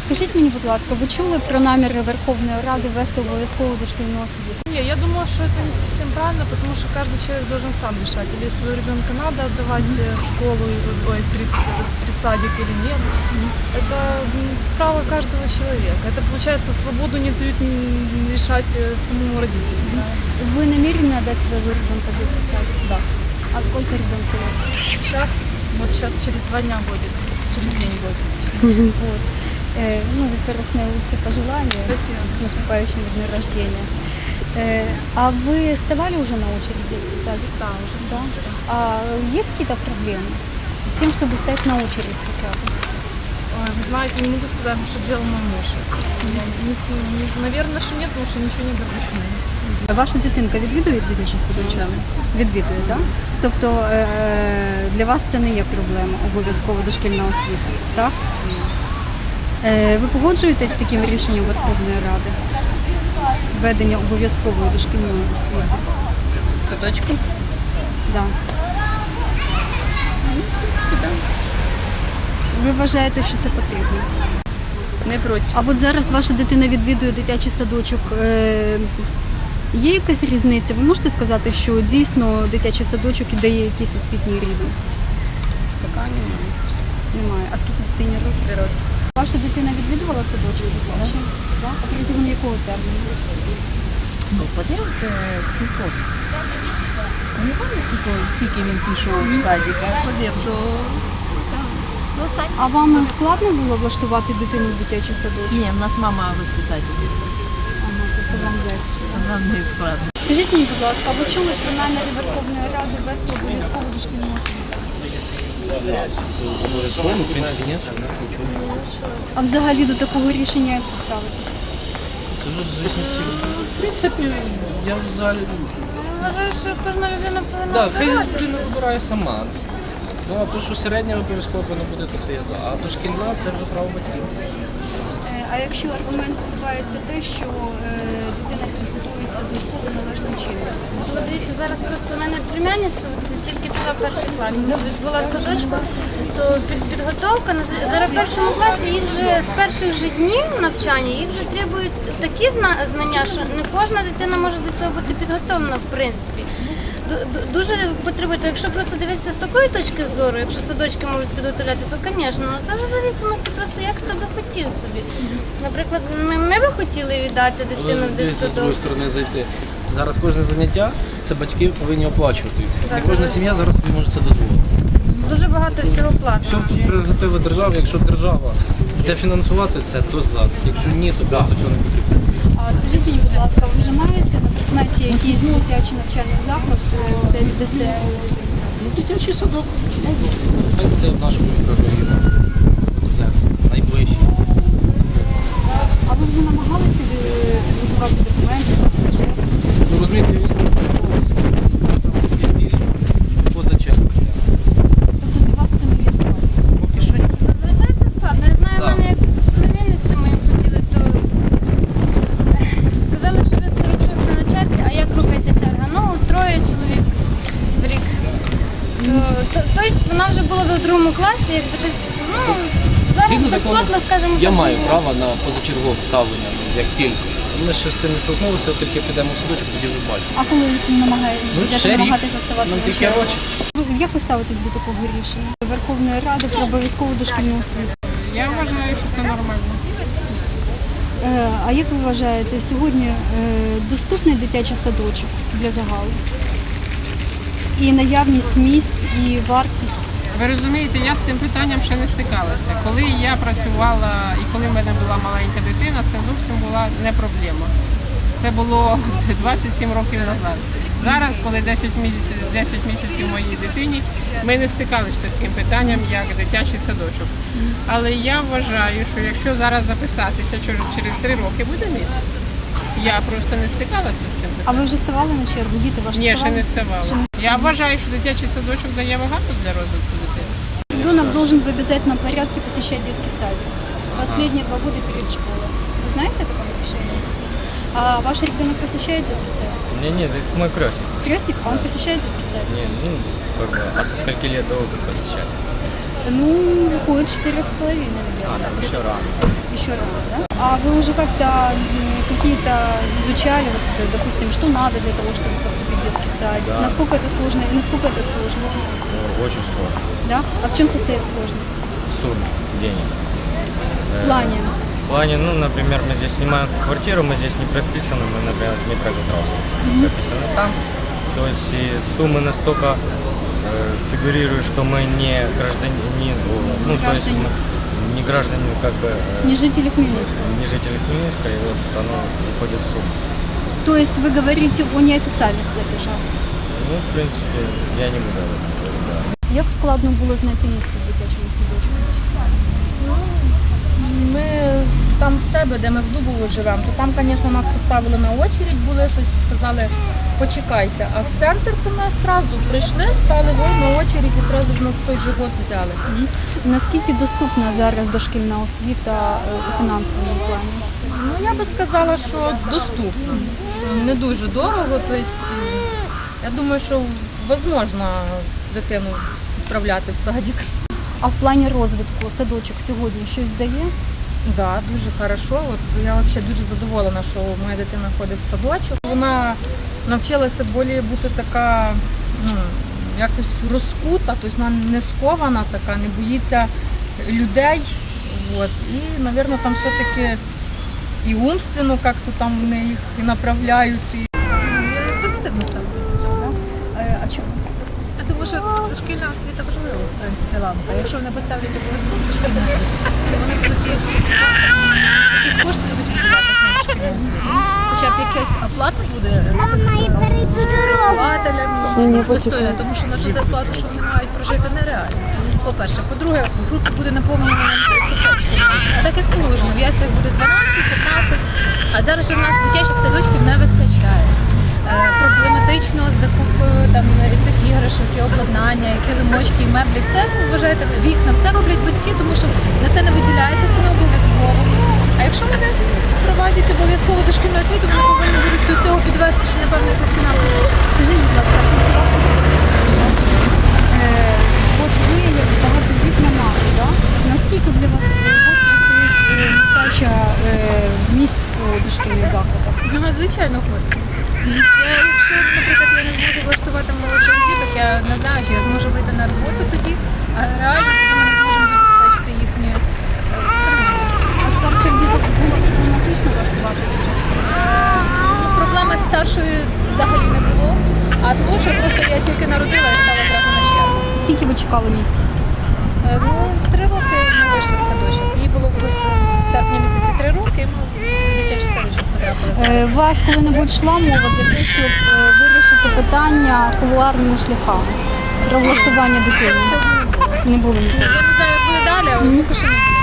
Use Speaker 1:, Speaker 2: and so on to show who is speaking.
Speaker 1: Скажіть мені, будь ласка, ви чули про наміри Верховної Ради ввести обов'язкову дошкільну освіту?
Speaker 2: Не, я думаю, что это не совсем правильно, потому что каждый человек должен сам решать, или своего ребенка надо отдавать в школу, при садик или нет. Это право каждого человека. Это, получается, свободу не дают решать самому родителю.
Speaker 1: Вы намерены отдать своего ребенка в детский садик?
Speaker 2: Да.
Speaker 1: А сколько ребенку лет?
Speaker 2: Сейчас через 2 дня будет, через день будет.
Speaker 1: Вот. Ну, во-первых, наилучшие пожелания
Speaker 2: Спасибо.
Speaker 1: с наступающим днем рождения. А вы вставали уже на очередь в детский садик?
Speaker 2: Да, уже
Speaker 1: Да. А есть какие-то проблемы с тем, чтобы стать на очередь хотя бы?
Speaker 2: Ой, вы знаете, не могу сказать, что делал мой муж. Наверное, что нет, потому что ничего не говорит.
Speaker 1: Ваша дитинка відвідує дитячий садочок? Відвідує, так? Тобто для вас це не є проблема, обов'язково дошкільна освіта, так? Ви погоджуєтесь з таким рішенням Верховної Ради? Введення обов'язкової дошкільної освіти?
Speaker 3: Садочку?
Speaker 1: Да. Ви вважаєте, що це потрібно?
Speaker 3: Не проти.
Speaker 1: А от зараз ваша дитина відвідує дитячий садочок. Є якась різниця? Ви можете сказати, що дійсно дитячий садочок і дає якийсь освітній рівень?
Speaker 3: Поки немає.
Speaker 1: Немає. А скільки дитині років?
Speaker 3: 3 роки.
Speaker 1: Ваша дитина відвідувала садочок дитячий? Так. А протягом якого терміну?
Speaker 3: Ну, подивіться, скільки. Не пам'ятаю, скільки він пішов в садик, а ходив до останнього.
Speaker 1: А вам складно було влаштувати дитину в дитячий садочок?
Speaker 3: Ні, в нас мама воспитательниця.
Speaker 1: Ага, тобто вам легше.
Speaker 3: Нам не складно.
Speaker 1: Скажіть мені, будь ласка, а ви чули про наміри Верховної Ради ввести обов'язкову дошкільну освіту?
Speaker 4: Обов'язково, в принципі, ні, нічого.
Speaker 1: А взагалі до такого рішення як ви ставитесь?
Speaker 4: Це вже в звісності. В принципі, я взагалі...
Speaker 2: Вважаю, що кожна людина повинна
Speaker 4: Так, хай
Speaker 2: обирати.
Speaker 4: людина вибирає сама. Ну, а то, що середня обов'язково повинна буде, то це я за. А то шкільна, це вже право батьків.
Speaker 1: А якщо аргумент висувається те, що дитина підготується до школи належним чином?
Speaker 5: От дивіться, зараз просто в мене племянниця тільки пішла в 1 клас, була в садочку, то підготовка зараз в 1 класі їх вже з перших же днів навчання їх вже требують такі знання, що не кожна дитина може до цього бути підготовлена в принципі. Дуже потребує, якщо просто дивитися з такої точки зору, якщо садочки можуть підготовляти, то, звісно, це вже в залежності просто як хто би хотів собі. Наприклад, ми би хотіли віддати дитину в
Speaker 4: Дивіться, з другої
Speaker 5: дитсадок.
Speaker 4: сторони зайти. Зараз кожне заняття, це батьки повинні оплачувати.
Speaker 5: Так,
Speaker 4: Не кожна
Speaker 5: зараз.
Speaker 4: сім'я зараз собі може це дозволити.
Speaker 5: Дуже багато всього
Speaker 4: Все
Speaker 5: платного.
Speaker 4: тут прерогатива держави. Якщо держава буде фінансувати це, то за. Якщо ні, то просто цього не потрібно.
Speaker 1: А скажіть мені, будь ласка, ви вже маєте на предметі якийсь дитячий навчальний заклад, де дасте свою дитину?
Speaker 4: Ну, дитячий садок. Хай буде в нашому мікрорайоні. Це найближче.
Speaker 1: А ви вже намагалися підготувати документи?
Speaker 4: Ну, розумієте, я військовослужбовець. Поза чергою.
Speaker 1: Тобто для вас це не є складно?
Speaker 4: Поки що ні.
Speaker 5: Зазвичай це складно. Я знаю, в
Speaker 4: Так.
Speaker 5: мене як племінницю мою хотіли, то сказали, що ви 46 на черзі, а як рухається черга? Ну, 3 чоловік в рік. Тобто вона вже була в 2 класі, якби десь, ну, зараз
Speaker 4: Згідно
Speaker 5: безплатно,
Speaker 4: закону,
Speaker 5: скажімо,
Speaker 4: я
Speaker 5: так,
Speaker 4: маю
Speaker 5: ну,
Speaker 4: право на позачергове ставлення, як пільгу. Ми ще з цим не столкнулися, тільки підемо в садочок, тоді вже бачимо.
Speaker 1: А коли ви будете
Speaker 4: ще рік.
Speaker 1: намагатися ставати
Speaker 4: Нам
Speaker 1: на
Speaker 4: тільки
Speaker 1: чергу?
Speaker 4: рочі.
Speaker 1: Як ви ставитесь до такого рішення Верховної Ради про обов'язкову дошкільну освіту?
Speaker 2: Я вважаю, що це нормально.
Speaker 1: А як ви вважаєте, сьогодні доступний дитячий садочок для загалу? І наявність місць, і вартість?
Speaker 6: Ви розумієте, я з цим питанням ще не стикалася. Коли я працювала і коли в мене була маленька дитина, це зовсім була не проблема. Це було 27 років назад. Зараз, коли 10 місяців моїй дитині, ми не стикалися з таким питанням, як дитячий садочок. Але я вважаю, що якщо зараз записатися, через 3 роки буде місце. Я просто не стикалася з цим
Speaker 1: А
Speaker 6: питанням.
Speaker 1: ви вже ставали на чергу? Діти ваші
Speaker 6: Ні, ще
Speaker 1: ставали?
Speaker 6: не ставала.
Speaker 1: Ще не-
Speaker 6: Я вважаю, що дитячий садочок дає багато для розвитку дитини.
Speaker 1: Ребенок должен в обязательном порядке посещать детский садик. Последние 2 года перед школой. Вы знаете о таком решении? А ваш ребенок посещает детский садик?
Speaker 7: Не, мой крестник.
Speaker 1: Крестник, а он посещает детский садик?
Speaker 7: Не, ну, как бы, а со скольки лет должен посещать?
Speaker 1: Ну, выходит 4,5, наверное.
Speaker 4: Ще рано.
Speaker 1: Еще рано, да? А вы уже как-то какие-то изучали, вот, допустим, что надо для того, чтобы поступить в детский садик?
Speaker 7: Да.
Speaker 1: Насколько это сложно и насколько это сложно?
Speaker 7: Очень сложно.
Speaker 1: Да? А в чем состоит сложность?
Speaker 7: В сумме денег.
Speaker 1: В плане?
Speaker 7: В плане, ну, например, мы здесь снимаем квартиру, мы здесь не прописаны, мы, например, в Днепропетровске прописаны там. То есть и суммы настолько фигурируют, что мы не гражданин, ну, то есть
Speaker 1: Гражданин.
Speaker 7: мы не граждане, как бы,
Speaker 1: Не жители Хмельницка.
Speaker 7: не жители Хмельницка, и вот оно входит в сумму.
Speaker 1: То есть вы говорите о неофициальных платежах.
Speaker 7: Ну, в принципе, я не буду об этом говорить, да.
Speaker 1: Як складно було знайти місце в дитячому садочку?
Speaker 8: Ми там в себе, де ми в Дубово живемо, то там, звісно, нас поставили на очередь, були щось, сказали, почекайте. А в центр то ми одразу прийшли, стали на очередь і одразу ж нас той же год взяли.
Speaker 1: Наскільки доступна зараз дошкільна освіта у фінансовому плані?
Speaker 8: Ну, я би сказала, що доступно. Не дуже дорого, тобто я думаю, що можливо дитину відправляти в садик.
Speaker 1: А в плані розвитку садочок сьогодні щось дає?
Speaker 8: Да, дуже хорошо. От я взагалі дуже задоволена, що моя дитина ходить в садочок. Вона навчилася більше бути така, ну, якось розкута, тобто вона не скована така, не боїться людей. От. І, мабуть, там все-таки і умственно як-то там вони їх і направляють. І...
Speaker 2: Позитивно ставлю.
Speaker 1: А чому?
Speaker 2: Я думаю, що дошкільна освіта важлива, в принципі, ламка. Якщо вони поставлять обов'язково дошкільну освіту, то вони будуть її якісь кошти будуть виділяти на дошкільну освіту. Хоча б якась оплата буде вихователям достойна, тому що на ту зарплату, що вони мають прожити, нереально. По-перше. По-друге, група буде наповнена 35. Так як положено, в яслях буде 12-15, а зараз же в нас дитячих садочків не вистачає. Проблематично з закупкою там цих іграшок, і обладнання, і килимочки, і меблі, все вважаєте, вікна, все роблять батьки, тому що на це не виділяється, це не обов'язково. А якщо вони впровадять обов'язково дошкільну освіту, вони повинні будуть до цього підвести ще, напевно, якусь фінансову.
Speaker 1: Скажіть, будь ласка, це всі ваші діти? От ви як багатодітна мама, да? Наскільки для вас стоїть нестача місць по дошкільних закладах?
Speaker 2: Ну, звичайно, хочеться. Якщо, наприклад, я не зможу влаштувати молодших діток, я не знаю, чи я зможу вийти на роботу тоді, а реально тоді ми не зможемо забезпечити їхнє утримання.
Speaker 1: А старших діток було проблематично влаштувати?
Speaker 2: Ну, проблеми з старшою взагалі не було, а з молодшою просто я тільки народила і стала одразу на чергу.
Speaker 1: Скільки ви чекали місця?
Speaker 2: Ну, в 3 роки ми вийшли в садочок. Їй було в серпні місяці 3 роки, і ми в дитячий садочок потрапили.
Speaker 1: У вас коли-небудь йшла мова для того, щоб вирішити питання кулуарними шляхами про влаштування дитини?
Speaker 2: Цього не було.
Speaker 1: Не було
Speaker 2: Ні,
Speaker 1: ніколи.
Speaker 2: я не знаю, як буде далі, але поки що не було.